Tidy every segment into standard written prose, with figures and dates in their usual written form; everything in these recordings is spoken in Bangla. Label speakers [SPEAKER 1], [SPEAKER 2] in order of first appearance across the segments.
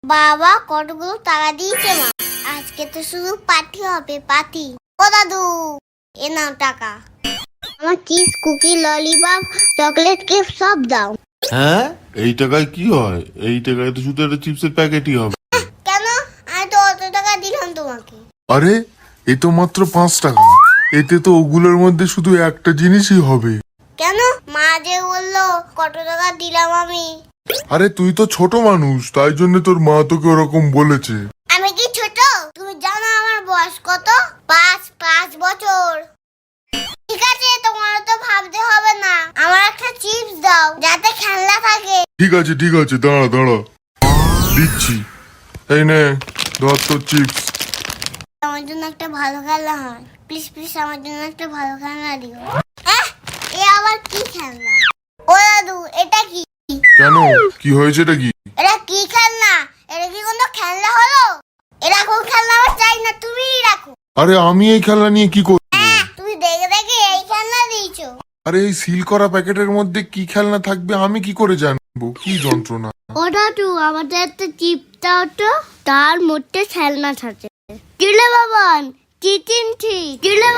[SPEAKER 1] বাবা কতগুলো টাকা দিয়েছে মা। আজকে তো শুধু পার্টি হবে, পার্টি। ও দাদু, এ নাও টাকা। আমার chips, cookie, lollipop, chocolate cake সব দাও।
[SPEAKER 2] হ্যাঁ, এই টাকায় কি হয়? এই টাকায় তো শুধু একটা চিপসের প্যাকেটই হবে।
[SPEAKER 1] কেন? আমি তো অত টাকা দিলাম তোমাকে।
[SPEAKER 3] আরে এ তো মাত্র 5 টাকা, এতে তো ওগুলোর মধ্যে শুধু একটা জিনিসই হবে।
[SPEAKER 1] কেন? মা যে বললো কত টাকা দিলাম আমি।
[SPEAKER 3] আরে তুই তো ছোট মানুষ, তাই জন্য তোর মা তোকে ওরকম বলেছে।
[SPEAKER 1] আমি কি ছোট? তুমি জানো আমার বয়স কত? 5 বছর। ঠিক আছে, তোমার তো ভাবতে হবে না। আমার একটা চিপস দাও যাতে খেলনা থাকে।
[SPEAKER 3] ঠিক আছে দাঁড়া দিচ্ছি। এই নে ধর তোর চিপস।
[SPEAKER 1] আমার জন্য একটা ভালো খেলনা হয়, প্লিজ আমার জন্য একটা ভালো খেলনা দিও। এ আবার কি খেলনা? ও দাদু, এটা কি?
[SPEAKER 3] কেন, কি হয়েছে এটা কি?
[SPEAKER 1] এটা কি খেলনা? এটা কি কোনো খেলনা হলো? এরকম খেলনা আমার চাই না, তুমিই রাখো।
[SPEAKER 3] আরে আমি এই খেলনা নিয়ে কি করব?
[SPEAKER 1] তুমি দেখে দেখে এই খেলনা দিয়েছো।
[SPEAKER 3] আরে এই সিল করা প্যাকেটের মধ্যে কি খেলনা থাকবে আমি কি করে জানবো? কি যন্ত্রণা।
[SPEAKER 1] ও দাদু, আমাদের একটা চিপ দাও তো, তার মধ্যে খেলনা থাকে। দিলে বাবান, দিলে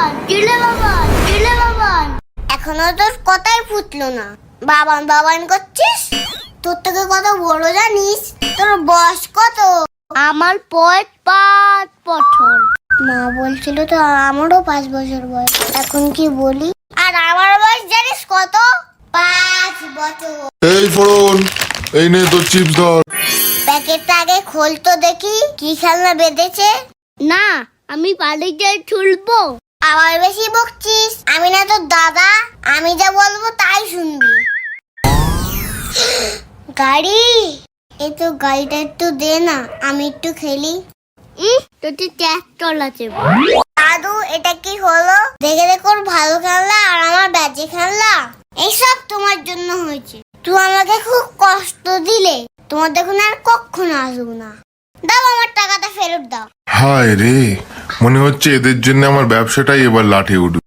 [SPEAKER 1] বাবান। এখনো তোর কথাই ফুটলো না। বাবান করছিস? তোর থেকে কত বড় জানিস? তোর বয়স কত? আমার 5 বছর। মা বলছিল তো আমারও 5 বছর বয়স। এখন কি বলি? আর আমার বয়স জানিস কত? 5 বছর।
[SPEAKER 3] এই ফোন, এই নে তোর চিপস ধর।
[SPEAKER 1] প্যাকেটটা আগে খোল তো দেখি, কি খেলনা বেঁধেছে। না, আমি বাড়িতে তুলবো। আবার বেশি বকছিস। আমি না তোর দাদা, আমি যা বলবো তাই শুনবি। গাড়ি, এই তো গাড়িটা একটু দে না, আমি একটু খেলি। তোর ট্র্যাক্টর আছে। দাদু, এটা কি হলো? দেখে দেখো ভালো খেলনা আর আমার বাজে খেলনা। এইসব তোমার জন্য হয়েছে। তুই আমাকে খুব কষ্ট দিলে, তোমার দেখুন আর কখনো আসবো না। দাও আমার টাকাটা ফেরত দাও।
[SPEAKER 3] হায় রে, মনে হচ্ছে এদের জন্য আমার ব্যবসাটাই এবার লাঠে উঠবে।